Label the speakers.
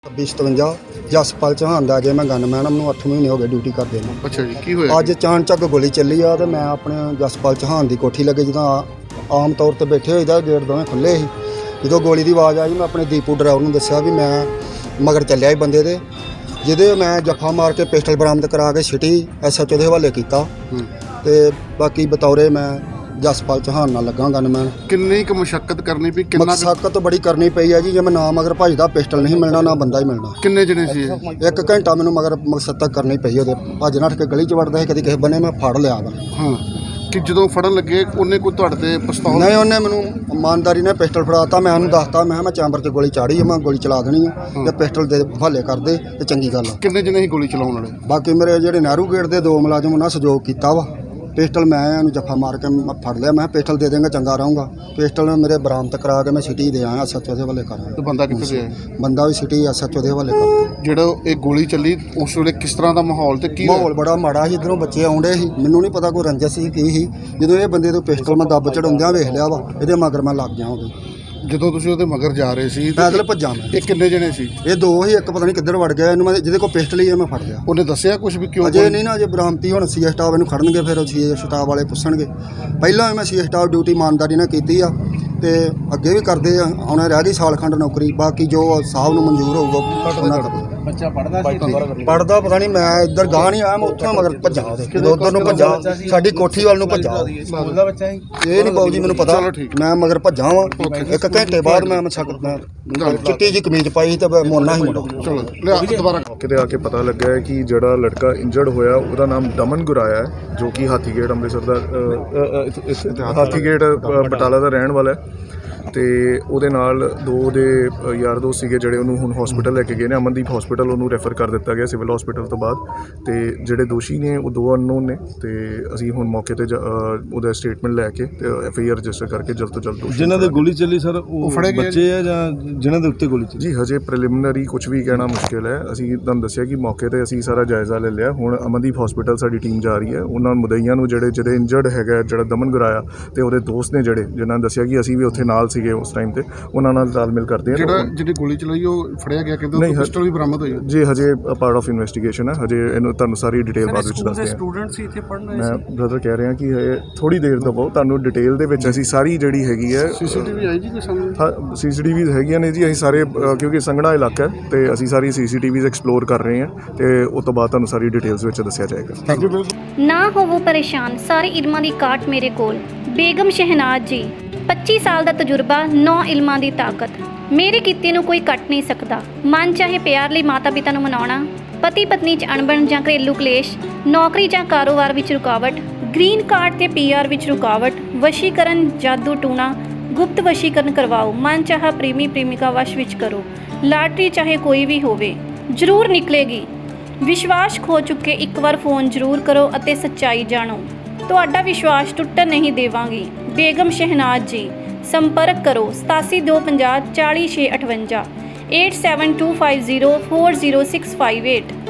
Speaker 1: 27 ਜਸਪਾਲ ਚੌਹਾਨ ਦਾ ਜੇ ਮੈਂ ਗਨਮੈਨ ਨੂੰ 8 ਮਹੀਨੇ ਹੋ ਗਏ ਡਿਊਟੀ ਕਰਦੇ ਨੂੰ।
Speaker 2: ਅੱਛਾ ਜੀ, ਕੀ ਹੋਇਆ?
Speaker 1: ਅੱਜ ਅਚਾਨਕ ਗੋਲੀ ਚੱਲੀ ਆ ਤੇ ਮੈਂ ਆਪਣੇ ਜਸਪਾਲ ਚੌਹਾਨ ਦੀ ਕੋਠੀ ਲੱਗੇ ਜਦੋਂ ਆਮ ਤੌਰ ਤੇ ਬੈਠੇ ਹੋਈਦਾ ਗੇਟ ਦੋਵੇਂ ਖੁੱਲੇ ਸੀ। ਜਦੋਂ ਗੋਲੀ ਦੀ ਆਵਾਜ਼ ਆਈ ਮੈਂ ਆਪਣੇ ਦੀਪੂ ਡਰਾਈਵਰ ਨੂੰ ਦੱਸਿਆ ਵੀ ਮੈਂ ਮਗਰ ਚੱਲਿਆ ਸੀ ਬੰਦੇ ਦੇ, ਜਿਹਦੇ ਮੈਂ ਜੱਫਾ ਮਾਰ ਕੇ ਪਿਸਟਲ ਬਰਾਮਦ ਕਰਾ ਕੇ ਸਿਟੀ SHO ਦੇ ਹਵਾਲੇ ਕੀਤਾ ਤੇ ਬਾਕੀ ਬਤੌਰੇ ਮੈਂ ਜਸਪਾਲ ਚੌਹਾਨ ਨਾਲ ਲੱਗਾ ਗਨਮੈਨ।
Speaker 2: ਕਿੰਨੀ ਕੁ ਮੁਸ਼ੱਕਤ ਕਰਨੀ ਪਈ? ਕਿੰਨਾ
Speaker 1: ਮਸ਼ੱਕਤ ਬੜੀ ਕਰਨੀ ਪਈ ਹੈ ਜੀ। ਜੇ ਮੈਂ ਨਾ ਮਗਰ ਭੱਜਦਾ ਪਿਸਟਲ ਨਹੀਂ ਮਿਲਣਾ ਨਾ ਬੰਦਾ ਹੀ ਮਿਲਣਾ।
Speaker 2: ਕਿੰਨੇ ਜਣੇ ਸੀ ਇਹ?
Speaker 1: 1 ਘੰਟਾ ਮੈਨੂੰ ਮਗਰ ਮਕਸਦ ਤੱਕ ਕਰਨੀ ਪਈ ਉਹਦੇ। ਭੱਜ ਨੱਠ ਕੇ ਗਲੀ 'ਚ ਵੜਦਾ ਸੀ, ਕਦੀ ਕਿਸੇ ਬੰਨੇ ਮੈਂ ਫੜ ਲਿਆ ਵਾ।
Speaker 2: ਹਾਂ, ਕਿ ਜਦੋਂ ਫੜਨ ਲੱਗੇ ਉਹਨੇ ਕੋਈ ਤੁਹਾਡੇ ਤੇ ਪਿਸਤੌਲ?
Speaker 1: ਨਹੀਂ, ਉਹਨੇ ਮੈਨੂੰ ਇਮਾਨਦਾਰੀ ਨਾਲ ਪਿਸਟਲ ਫੜਾਤਾ। ਮੈਂ ਉਹਨੂੰ ਦੱਸਤਾ ਮੈਂ ਚੈਂਬਰ 'ਚ ਗੋਲੀ ਚਾੜੀ ਆ, ਮੈਂ ਗੋਲੀ ਚਲਾ ਦੇਣੀ ਆ ਤੇ ਪਿਸਟਲ ਦੇ ਹਵਾਲੇ ਕਰ ਦੇ ਤੇ ਚੰਗੀ ਗੱਲ ਆ।
Speaker 2: ਕਿੰਨੇ ਜਣੇ ਸੀ ਗੋਲੀ ਚਲਾਉਣ ਵਾਲੇ?
Speaker 1: ਬਾਕੀ ਮੇਰੇ ਜਿਹੜੇ ਨਹਿਰੂ ਗੇਟ ਦੇ 2 ਮੁਲਾਜ਼ਮ ਉਹਨਾਂ ਸਹਿਯੋਗ ਕੀਤਾ ਵਾ। ਪਿਸਟਲ ਮੈਂ ਉਹਨੂੰ ਜੱਫਾ ਮਾਰ ਕੇ ਫੜ ਲਿਆ। ਮੈਂ ਪਿਸਟਲ ਦੇ ਦੇਂਗਾ ਚੰਗਾ ਰਹੂੰਗਾ। ਪਿਸਟਲ ਮੇਰੇ ਬਰਾਮਦ ਕਰਾ ਕੇ ਮੈਂ ਸਿਟੀ ਦੇ ਆਇਆ SHO ਦੇ ਹਵਾਲੇ ਕਰਾਂ।
Speaker 2: ਤੇ ਬੰਦਾ ਕਿੱਥੇ ਗਿਆ?
Speaker 1: ਬੰਦਾ ਵੀ ਸਿਟੀ SHO ਦੇ ਹਵਾਲੇ ਕਰ।
Speaker 2: ਜਿਹੜਾ ਇਹ ਗੋਲੀ ਚੱਲੀ ਉਸ ਵੇਲੇ ਕਿਸ ਤਰ੍ਹਾਂ ਦਾ ਮਾਹੌਲ ਤੇ ਕੀ
Speaker 1: ਮਾਹੌਲ ਬੜਾ ਮਾੜਾ ਸੀ। ਇੱਧਰੋਂ ਬੱਚੇ ਆਉਂਦੇ ਸੀ, ਮੈਨੂੰ ਨਹੀਂ ਪਤਾ ਕੋਈ ਰੰਜਿਸ਼ ਸੀ ਕੀ ਸੀ। ਜਦੋਂ ਇਹ ਬੰਦੇ ਤੋਂ ਪਿਸਟਲ ਮੈਂ ਦੱਬ ਚੜਾਉਂਦਿਆਂ ਵੇਖ ਲਿਆ ਵਾ, ਇਹਦੇ ਮਗਰ ਮੈਂ ਲੱਗ ਗਿਆ ਹੋਵੇ।
Speaker 2: ਜਦੋਂ ਤੁਸੀਂ ਉਹਦੇ ਮਗਰ ਜਾ ਰਹੇ ਸੀ
Speaker 1: ਪੈਦਲ ਭੱਜਾਂ ਮੈਂ।
Speaker 2: ਇਹ ਕਿੰਨੇ ਜਣੇ ਸੀ?
Speaker 1: ਇਹ 2 ਹੀ, ਇੱਕ ਪਤਾ ਨਹੀਂ ਕਿੱਧਰ ਵੜ ਗਿਆ। ਇਹਨੂੰ ਮੈਂ ਜਿਹਦੇ ਕੋਲ ਪਿਸਟਲ ਹੀ ਮੈਂ ਫੜ ਲਿਆ।
Speaker 2: ਉਹਨੇ ਦੱਸਿਆ ਕੁਝ ਵੀ ਕਿਉਂ?
Speaker 1: ਅਜੇ ਨਹੀਂ ਨਾ, ਅਜੇ ਬਰਾਮਤੀ ਹੁਣ CS ਸਟਾਫ ਇਹਨੂੰ ਖੜਨਗੇ, ਫਿਰ CS ਸਟਾਫ ਵਾਲੇ ਪੁੱਛਣਗੇ। ਪਹਿਲਾਂ ਵੀ ਮੈਂ CS ਸਟਾਫ ਡਿਊਟੀ ਇਮਾਨਦਾਰੀ ਨਾਲ ਕੀਤੀ ਆ ਤੇ ਅੱਗੇ ਵੀ ਕਰਦੇ ਆ। ਹੁਣ ਰਹਿ ਗਈ ਸਾਲ ਖੰਡ ਨੌਕਰੀ, ਬਾਕੀ ਜੋ ਸਾਹਿਬ ਨੂੰ ਮਨਜ਼ੂਰ ਹੋਊਗਾ ਉਹਨਾਂ ਕਰਦੇ।
Speaker 2: ਬੱਚਾ ਪੜਦਾ ਸੀ?
Speaker 1: ਪੜਦਾ ਪਤਾ ਨਹੀਂ, ਮੈਂ ਇੱਧਰ ਗਾਹ ਨਹੀਂ ਆਇਆ, ਮੈਂ ਉੱਥੋਂ ਮਗਰ ਭੱਜਾ ਉਹਦੇ। ਜਦੋਂ ਉੱਧਰ ਨੂੰ ਭੱਜਾ ਸਾਡੀ ਕੋਠੀ ਵੱਲ ਨੂੰ ਭੱਜਾ।
Speaker 2: ਸਕੂਲ ਦਾ ਬੱਚਾ ਸੀ?
Speaker 1: ਇਹ ਨਹੀਂ ਬਾਊ ਜੀ ਮੈਨੂੰ ਪਤਾ। ਮੈਂ ਮਗਰ ਭੱਜਾ ਵਾਂ। 1 ਘੰਟੇ ਬਾਅਦ ਮੈਂ ਚਿੱਟੀ ਜੀ ਕਮੀਜ਼ ਪਾਈ ਤੇ ਮੋਨਾ ਹੀ ਮੁੰਡਾ।
Speaker 2: ਚਲੋ ਲਿਆ ਦੁਬਾਰਾ।
Speaker 3: ਕਿਤੇ ਆ ਕੇ ਪਤਾ ਲੱਗਾ ਹੈ ਕਿ ਜਿਹੜਾ ਲੜਕਾ ਇੰਜਰਡ ਹੋਇਆ ਉਹਦਾ ਨਾਮ ਦਮਨ ਗੁਰਾਇਆ ਹੈ, ਜੋ ਕਿ ਹਾਥੀਗੇਟ ਅੰਮ੍ਰਿਤਸਰ ਦਾ ਹਾਥੀਗੇਟ ਬਟਾਲਾ ਦਾ ਰਹਿਣ ਵਾਲਾ ਹੈ। ਤੇ ਉਹਦੇ ਨਾਲ 2 ਦੇ ਯਾਰ ਦੋਸਤ ਸੀਗੇ ਜਿਹੜੇ ਉਹਨੂੰ ਹੁਣ ਹਸਪੀਟਲ ਲੈ ਕੇ ਗਏ ਨੇ। ਅਮਨਦੀਪ ਹਸਪੀਟਲ ਉਹਨੂੰ ਰੈਫਰ ਕਰ ਦਿੱਤਾ ਗਿਆ ਸਿਵਲ ਹਸਪੀਟਲ ਤੋਂ ਬਾਅਦ। ਤੇ ਜਿਹੜੇ ਦੋਸ਼ੀ ਨੇ ਉਹ 2 ਅਨਨੋਨ ਨੇ ਤੇ ਅਸੀਂ ਹੁਣ ਮੌਕੇ ਤੇ ਉਹਦਾ ਸਟੇਟਮੈਂਟ ਲੈ ਕੇ ਤੇ FIR ਰਜਿਸਟਰ ਕਰਕੇ ਜਲਦ ਤੋਂ ਜਲਦ
Speaker 4: ਜਿਨ੍ਹਾਂ ਦੇ ਗੋਲੀ ਚੱਲੀ ਸਰ ਉਹ
Speaker 2: ਫੜੇ ਗਏ
Speaker 4: ਬੱਚੇ ਆ ਜਾਂ ਜਿਨ੍ਹਾਂ ਦੇ ਉੱਤੇ ਗੋਲੀ ਚੱਲੀ?
Speaker 3: ਜੀ ਹਜੇ ਪ੍ਰੀਲਿਮਿਨਰੀ ਕੁਝ ਵੀ ਕਹਿਣਾ ਮੁਸ਼ਕਿਲ ਹੈ। ਅਸੀਂ ਤੁਹਾਨੂੰ ਦੱਸਿਆ ਕਿ ਮੌਕੇ ਤੇ ਅਸੀਂ ਸਾਰਾ ਜਾਇਜ਼ਾ ਲੈ ਲਿਆ। ਹੁਣ ਅਮਨਦੀਪ ਹਸਪੀਟਲ ਸਾਡੀ ਟੀਮ ਜਾ ਰਹੀ ਹੈ। ਉਹਨਾਂ ਮੁਦਈਆਂ ਨੂੰ ਜਿਹੜੇ ਇੰਜਰਡ ਹੈਗਾ, ਜਿਹੜਾ ਦਮਨ ਗੁਰਾਇਆ ਤੇ ਉਹਦੇ ਦੋਸਤ ਨੇ ਜਿਨ੍ਹਾਂ ਨੇ ਦੱਸਿਆ ਕਿ ਅਸੀਂ ਵੀ ਉੱਥੇ ਨਾਲ ਸੀਗੇ ਉਸ ਟਾਈਮ ਤੇ, ਉਹਨਾਂ ਨਾਲ ਤਾਲਮੇਲ ਕਰਦੇ ਹਾਂ।
Speaker 2: ਜਿਹੜੀ ਗੋਲੀ ਚਲਾਈ ਉਹ ਫੜਿਆ ਗਿਆ, ਕਹਿੰਦੇ ਪਿਸਟਲ ਵੀ ਬਰਾਮਦ ਹੋਈ?
Speaker 3: ਜੀ ਹਜੇ ਪਾਰਟ ਆਫ ਇਨਵੈਸਟੀਗੇਸ਼ਨ ਹੈ। ਹਜੇ ਇਹਨੂੰ ਤੁਹਾਨੂੰ ਸਾਰੀ ਡਿਟੇਲ ਬਾਅਦ ਵਿੱਚ ਦੱਸਦੇ ਹਾਂ।
Speaker 4: ਸਟੂਡੈਂਟ ਸੀ ਇੱਥੇ ਪੜ੍ਹਨ
Speaker 3: ਮੈਂ ਬ੍ਰਦਰ ਕਹਿ ਰਿਹਾ ਕਿ ਥੋੜੀ ਦੇਰ ਦਵੋ, ਤੁਹਾਨੂੰ ਡਿਟੇਲ ਦੇ ਵਿੱਚ ਅਸੀਂ ਸਾਰੀ ਜਿਹੜੀ ਹੈਗੀ ਹੈ।
Speaker 2: CCTV ਆਈ ਜੀ ਕੋਈ ਸਾਹਮਣੇ?
Speaker 3: ਹਾਂ, CCTVs ਹੈਗੀਆਂ ਨੇ ਜੀ। ਅਸੀਂ ਸਾਰੇ ਕਿਉਂਕਿ ਸੰਘਣਾ ਇਲਾਕਾ ਹੈ ਤੇ ਅਸੀਂ ਸਾਰੀ CCTVs ਐਕਸਪਲੋਰ ਕਰ ਰਹੇ ਹਾਂ ਤੇ ਉਸ ਤੋਂ ਬਾਅਦ ਤੁਹਾਨੂੰ ਸਾਰੀ ਡਿਟੇਲਸ ਵਿੱਚ ਦੱਸਿਆ ਜਾਏਗਾ।
Speaker 5: ਨਾ ਹੋਵੋ ਪਰੇਸ਼ਾਨ, ਸਾਰੇ ਇਲਮਾਂ ਦੀ ਕਾਟ ਮੇਰੇ ਕੋਲ। ਬੇਗਮ ਸ਼ਹਿਨਾਜ਼ ਜੀ, 25 ਸਾਲ ਦਾ ਤਜਰਬਾ, 9 ਇਲਮਾਂ ਦੀ ਤਾਕਤ। ਮੇਰੇ ਕੀਤੇ ਨੂੰ ਕੋਈ ਕੱਟ ਨਹੀਂ ਸਕਦਾ। ਮਨ ਚਾਹੇ ਪਿਆਰ ਲਈ ਮਾਤਾ ਪਿਤਾ ਨੂੰ ਮਨਾਉਣਾ, ਪਤੀ ਪਤਨੀ 'ਚ ਅਣਬਣ ਜਾਂ ਘਰੇਲੂ ਕਲੇਸ਼, ਨੌਕਰੀ ਜਾਂ ਕਾਰੋਬਾਰ ਵਿੱਚ ਰੁਕਾਵਟ, ਗ੍ਰੀਨ ਕਾਰਡ ਤੇ PR ਵਿੱਚ ਰੁਕਾਵਟ, ਵਸ਼ੀਕਰਨ, ਜਾਦੂ ਟੂਣਾ, ਗੁਪਤ ਵਸ਼ੀਕਰਨ ਕਰਵਾਓ, ਮਨ ਚਾਹਾ ਪ੍ਰੇਮੀ ਪ੍ਰੇਮਿਕਾ ਵਸ਼ ਵਿੱਚ ਕਰੋ, ਲਾਟਰੀ ਚਾਹੇ ਕੋਈ ਵੀ ਹੋਵੇ ਜ਼ਰੂਰ ਨਿਕਲੇਗੀ। ਵਿਸ਼ਵਾਸ ਖੋ ਚੁੱਕੇ ਇੱਕ ਵਾਰ ਫੋਨ ਜ਼ਰੂਰ ਕਰੋ ਅਤੇ ਸੱਚਾਈ ਜਾਣੋ। ਤੁਹਾਡਾ ਵਿਸ਼ਵਾਸ ਟੁੱਟਣ ਨਹੀਂ ਦੇਵਾਂਗੀ। ਬੇਗਮ ਸ਼ਹਿਨਾਜ਼ ਜੀ, ਸੰਪਰਕ ਕਰੋ 8725040658 8725040658।